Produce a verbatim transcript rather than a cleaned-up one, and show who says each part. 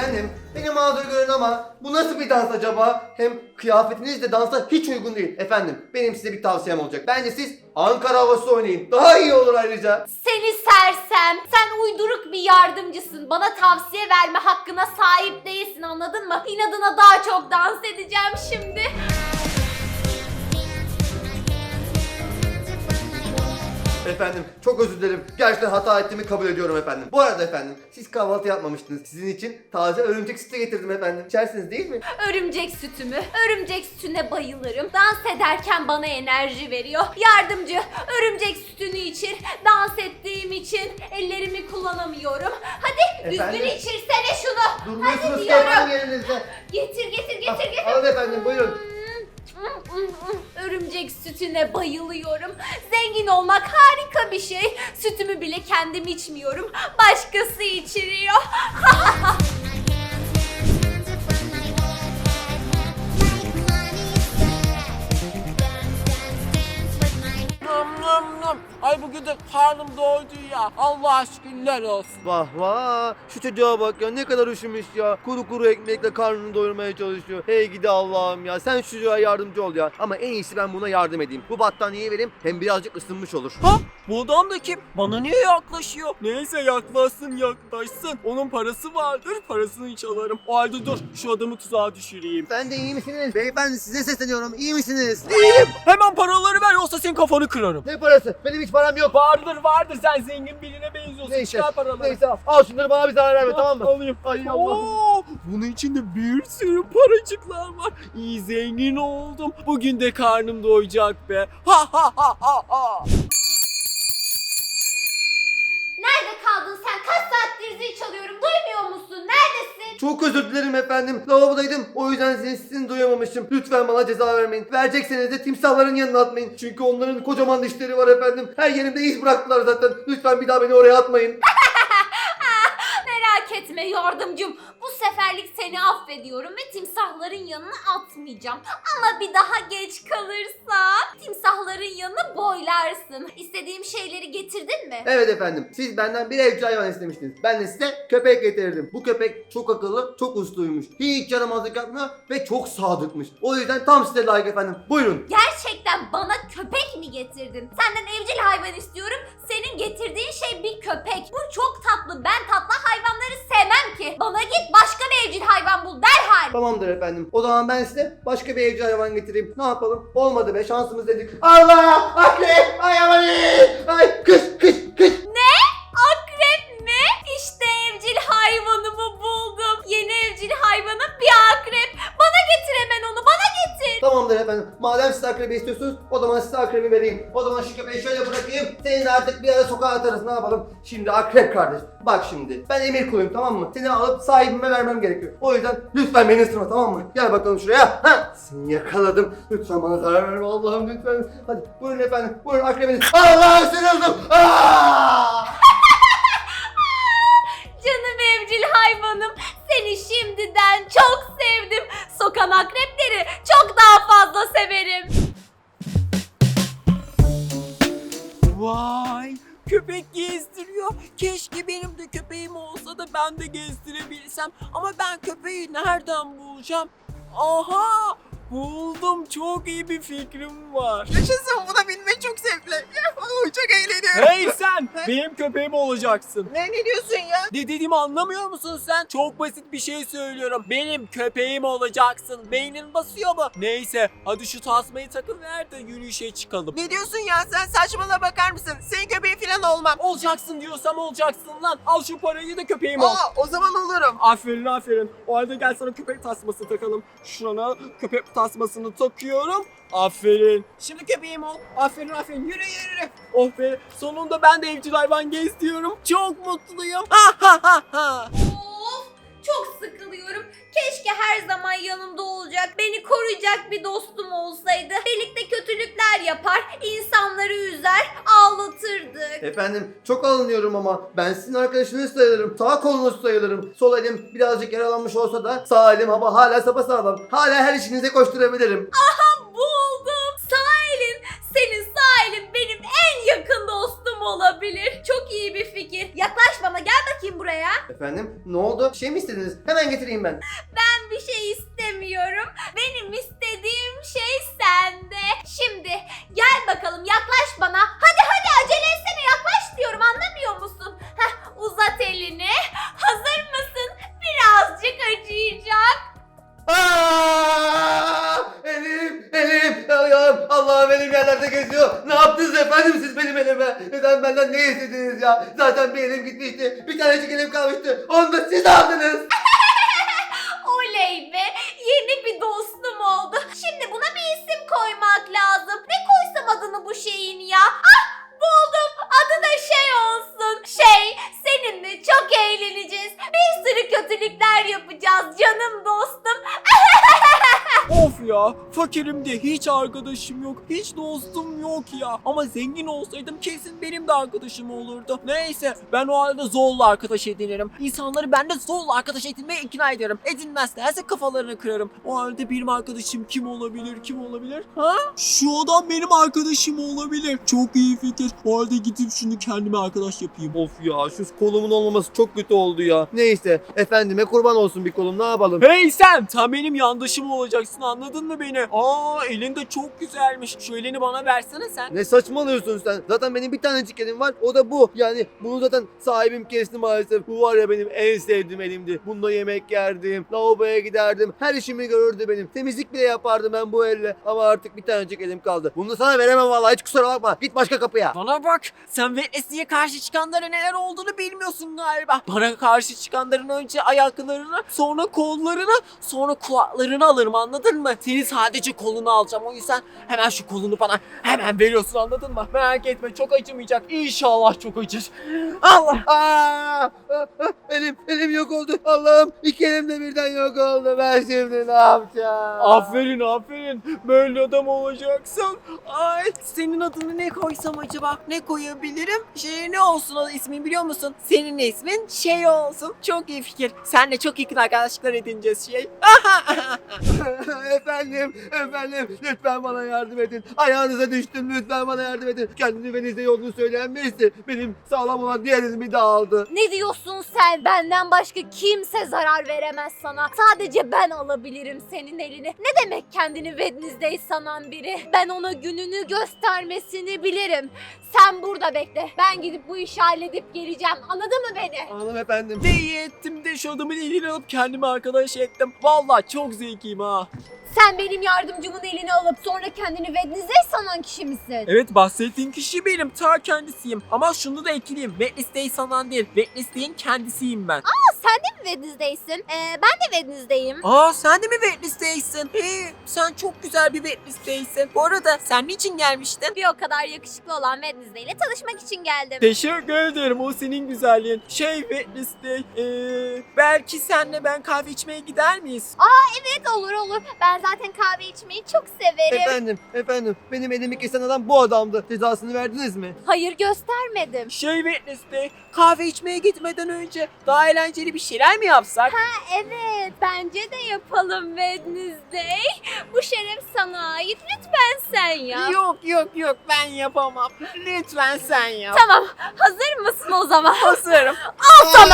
Speaker 1: Efendim, beni mazur görün ama bu nasıl bir dans acaba? Hem kıyafetiniz de dansa hiç uygun değil. Efendim, benim size bir tavsiyem olacak. Bence siz Ankara havası oynayın. Daha iyi olur ayrıca.
Speaker 2: Seni sersem, sen uyduruk bir yardımcısın. Bana tavsiye verme hakkına sahip değilsin, anladın mı? İnadına daha çok dans edeceğim şimdi.
Speaker 1: Efendim, çok özür dilerim. Gerçekten hata ettiğimi kabul ediyorum efendim. Bu arada efendim, siz kahvaltı yapmamıştınız. Sizin için taze örümcek sütü getirdim efendim. İçersiniz değil mi?
Speaker 2: Örümcek sütümü, örümcek sütüne bayılırım. Dans ederken bana enerji veriyor. Yardımcı, örümcek sütünü içir. Dans ettiğim için ellerimi kullanamıyorum. Hadi
Speaker 1: Efendim?
Speaker 2: düzgün içirsene şunu.
Speaker 1: Durmuyorsunuz
Speaker 2: Hadi
Speaker 1: ki
Speaker 2: diyorum.
Speaker 1: efendim yerinizde.
Speaker 2: Getir getir getir
Speaker 1: Ah,
Speaker 2: getir.
Speaker 1: alın efendim, buyurun.
Speaker 2: Örümcek sütüne bayılıyorum. Zengin olmak harika bir şey. Sütümü bile kendim içmiyorum. Başkası içiriyor.
Speaker 3: Nam nam nam. Ay bugün de karnım doydu ya. Allah şükürler olsun.
Speaker 1: Vah vah, şu çocuğa bak ya, ne kadar üşümüş ya. Kuru kuru ekmekle karnını doyurmaya çalışıyor. Hey gidi Allah'ım ya, sen şu çocuğa yardımcı ol ya. Ama en iyisi ben buna yardım edeyim. Bu battaniyeyi vereyim, hem birazcık ısınmış olur.
Speaker 3: Ha? Bu adam da kim? Bana niye yaklaşıyor? Neyse yaklaşsın yaklaşsın. Onun parası vardır. Parasını çalarım. O halde dur şu adamı tuzağa düşüreyim.
Speaker 1: Sen de iyi misiniz? Beyefendi size sesleniyorum, iyi misiniz?
Speaker 3: İyiyim. Hemen paraları ver yoksa senin kafanı kırarım.
Speaker 1: Ne parası? Benim hiç param yok.
Speaker 3: Vardır vardır sen zengin birine benziyorsun.
Speaker 1: Neyse,
Speaker 3: Çıkar paraları.
Speaker 1: neyse al. Al şunları, bana bir zarar verme,
Speaker 3: Ha,
Speaker 1: tamam mı?
Speaker 3: Alayım.
Speaker 1: Ay Allah.
Speaker 3: Oo, bunun içinde bir sürü paracıklar var. İyi zengin oldum. Bugün de karnım doyacak be. Ha ha ha ha ha.
Speaker 2: Nerede kaldın sen? Kaç saattir zil çalıyorum. Duymuyor musun? Neredesin?
Speaker 1: Çok özür dilerim efendim. Lavabodaydım. O yüzden sizin sesini duyamamışım. Lütfen bana ceza vermeyin. Verecekseniz de timsahların yanına atmayın. Çünkü onların kocaman dişleri var efendim. Her yerimde iz bıraktılar zaten. Lütfen bir daha beni oraya atmayın.
Speaker 2: Merak etme yardımcım. Bu seferlik seni affediyorum ve timsahların yanına atmayacağım. Ama bir daha geç kalırsan timsahların yanına boylarsın. İstediğim şeyleri getirdin mi?
Speaker 1: Evet efendim. Siz benden bir evcil hayvan istemiştiniz. Ben de size köpek getirdim. Bu köpek çok akıllı, çok usluymuş. Hiç yaramazlık yapmıyor ve çok sadıkmış. O yüzden tam size layık efendim. Buyurun.
Speaker 2: Gerçekten bana köpek mi getirdin? Senden evcil hayvan istiyorum. Senin getirdiğin şey bir köpek. Bu çok tatlı. Ben tatlı hayvanları sevmem ki. Bana git başka bir evcil hayvan bul derhal.
Speaker 1: Tamamdır efendim. O zaman ben size başka bir evcil hayvan getireyim. Ne yapalım? Olmadı be, şansımız dedik. Allah! Akrep! Ay aman! Ay kış kış kış!
Speaker 2: Ne? Akrep mi? İşte evcil hayvanımı buldum. Yeni evcil hayvanım bir akrep. Bana getir hemen onu. Bana getir.
Speaker 1: Tamamdır efendim. Madem siz akrebi istiyorsunuz, o zaman size akrebi vereyim. O zaman şu köpeği şöyle bırakayım. Seni de artık bir ara sokağa atarız. Ne yapalım? Şimdi akrep kardeş. Bak şimdi. Ben emir kuluyum, tamam mı? Seni alıp sahibime vermem gerekiyor. O yüzden lütfen beni ısırma, tamam mı? Gel bakalım şuraya. Ha! Seni yakaladım. Lütfen bana zarar verme Allah'ım, lütfen. Hadi buyurun efendim. Buyurun akrebiniz. Allah, ısırıldım. Aa!
Speaker 2: Canım evcil hayvanım. Seni şimdiden çok sevdim. Sokan akrepleri çok daha fazla severim.
Speaker 3: Vay, köpek gezdiriyor. Keşke benim de köpeğim olsa da ben de gezdirebilsem. Ama ben köpeği nereden bulacağım? Aha! Buldum. Çok iyi bir fikrim var.
Speaker 4: Yaşasın, buna binmek çok zevkli. Yahoo, çok eğleniyorum.
Speaker 3: Hey sen! Benim köpeğim olacaksın.
Speaker 4: Ne, ne diyorsun ya?
Speaker 3: Ne dediğimi anlamıyor musun sen? Çok basit bir şey söylüyorum. Benim köpeğim olacaksın. Beynin basıyor mu? Neyse hadi şu tasmayı takın ver de yürüyüşe çıkalım.
Speaker 4: Ne diyorsun ya, sen saçmalama bakar mısın? Senin köpeğin falan olmam.
Speaker 3: Olacaksın diyorsam olacaksın lan. Al şu parayı da köpeğim ol.
Speaker 4: Aa, o zaman olurum.
Speaker 3: Aferin aferin. O halde gel sana köpek tasması takalım. Şuna köpek tasmasını takıyorum. Aferin. Şimdi köpeğim ol. Aferin aferin. Yürü yürü. Oh be. Sonunda ben de evcil hayvan geziyorum. Çok mutluyum. Ha ha ha ha.
Speaker 2: Of, çok sıkılıyorum. Keşke her zaman yanımda olacak, beni koruyacak bir dostum olsaydı. Birlikte kötülükler yapar, insanları üzer, ağlatırdık.
Speaker 1: Efendim çok alınıyorum ama ben sizin arkadaşınız sayılırım. Sağ kolunuz sayılırım. Sol elim birazcık yaralanmış olsa da sağ elim ama hala sapasağlam. Hala her işinize koşturabilirim.
Speaker 2: Buldum. Sağ elin, senin sağ elin benim en yakın dostum olabilir. Çok iyi bir fikir. Yaklaş bana, gel bakayım buraya.
Speaker 1: Efendim ne oldu? Bir şey mi istediniz? Hemen getireyim ben.
Speaker 2: Ben bir şey istemiyorum. Benim istediğim şey sende. Şimdi gel bakalım yaklaş bana. Hadi hadi acele etsene yaklaş diyorum anlamıyor musun? Heh, uzat elini. Hazır mısın? Birazcık acıyacak.
Speaker 1: Aa! Elim, elim, ayağım, Allah'ım elim yerlerde geziyor. Ne yaptınız efendim siz benim elime? Neden benden ne istediniz ya? Zaten bir elim gitmişti. Bir tanecik elim kalmıştı. Onu da siz aldınız.
Speaker 2: Oley be! Yeni bir dostum oldu. Şimdi buna bir isim koymak lazım. Ne koysam adını bu şeyin ya? Ah! Buldum. Adı da şey olsun. Şey, seninle çok eğleneceğiz. Bir sürü kötülükler yapacağız canım dostum.
Speaker 3: Of ya, fakirim diye hiç arkadaşım yok, hiç dostum yok ya. Ama zengin olsaydım kesin benim de arkadaşım olurdu. Neyse, ben o halde zorla arkadaş edinirim. İnsanları ben de zorla arkadaş edinmeye ikna ederim. Edinmezlerse kafalarını kırarım. O halde benim arkadaşım kim olabilir, kim olabilir? Ha? Şu adam benim arkadaşım olabilir. Çok iyi fikir. O halde gidip şunu kendime arkadaş yapayım.
Speaker 1: Of ya şu kolumun olmaması çok kötü oldu ya. Neyse efendime kurban olsun bir kolum ne yapalım.
Speaker 3: Hey sen, sen benim yandaşım olacaksın, anladın mı beni? Aa, elin de çok güzelmiş. Şu elini bana versene sen.
Speaker 1: Ne saçmalıyorsun sen? Zaten benim bir tanecik elim var. O da bu. Yani bunu zaten sahibim kesti maalesef. Bu var ya benim en sevdiğim elimdi. Bununla yemek yerdim. Lavaboya giderdim. Her işimi görürdü benim. Temizlik bile yapardım ben bu elle. Ama artık bir tanecik elim kaldı. Bunu da sana veremem vallahi. Hiç kusura bakma. Git başka kapıya.
Speaker 3: Bana bak, sen Witness'e karşı çıkanlara neler olduğunu bilmiyorsun galiba. Bana karşı çıkanların önce ayaklarını, sonra kollarını, sonra kulaklarını alırım, anladın mı? Senin sadece kolunu alacağım, o yüzden hemen şu kolunu bana hemen veriyorsun, anladın mı? Merak etme, çok acımayacak. İnşallah çok acır. Allah!
Speaker 1: Aa, ah, ah, elim elim yok oldu. Allah'ım iki elim de birden yok oldu. Ben şimdi ne yapacağım?
Speaker 3: Aferin aferin, böyle adam olacaksın. Ay, senin adını ne koysam acaba? Ne koyabilirim? Şey ne olsun o ismin biliyor musun? Senin ismin şey olsun. Çok iyi fikir. Seninle çok yakın arkadaşlıklar edineceğiz şey.
Speaker 1: efendim, efendim lütfen bana yardım edin. Ayağınıza düştüm lütfen bana yardım edin. Kendini ve Nizde yolunu söyleyen birisi benim sağlam olan diğer elimi de aldı.
Speaker 2: Ne diyorsun sen? Benden başka kimse zarar veremez sana. Sadece ben alabilirim senin elini. Ne demek kendini Wednesday sanan biri? Ben ona gününü göstermesini bilirim. Sen burada bekle. Ben gidip bu işi halledip geleceğim. Anladın mı beni?
Speaker 1: Anladım efendim.
Speaker 3: Ne iyi ettim de şu adamın elini alıp kendime arkadaş ettim. Vallahi çok zekiyim ha.
Speaker 2: Sen benim yardımcımın elini alıp sonra kendini Wednesday sanan kişi misin?
Speaker 3: Evet, bahsettiğin kişi benim, ta kendisiyim. Ama şunu da ekleyeyim, Wednesday sanan değil, Wednesday'in kendisiyim ben.
Speaker 2: Sen de mi Wednesday'sin? Ee, ben de Wednesday'im.
Speaker 3: Aa, sen de mi Wednesday'sin? Hey, sen çok güzel bir Wednesday'sin. Bu arada sen niçin gelmiştin?
Speaker 2: Bir o kadar yakışıklı olan Wednesday ile tanışmak için geldim.
Speaker 3: Teşekkür ederim, o senin güzelliğin. Şey Wednesday, ee, belki senle ben kahve içmeye gider miyiz?
Speaker 2: Evet olur olur. Ben zaten kahve içmeyi çok severim.
Speaker 1: Efendim, efendim benim elimi kesen adam bu adamdı. Cezasını verdiniz mi?
Speaker 2: Hayır göstermedim.
Speaker 3: Şey Wednesday, kahve içmeye gitmeden önce daha eğlenceli bir şeyler mi yapsak?
Speaker 2: Evet bence de yapalım Wednesday. Bu şeref sana ait. Lütfen sen yap.
Speaker 3: Yok yok yok, ben yapamam. Lütfen sen yap.
Speaker 2: Tamam hazır mısın o zaman?
Speaker 3: Hazırım.
Speaker 2: Al sana.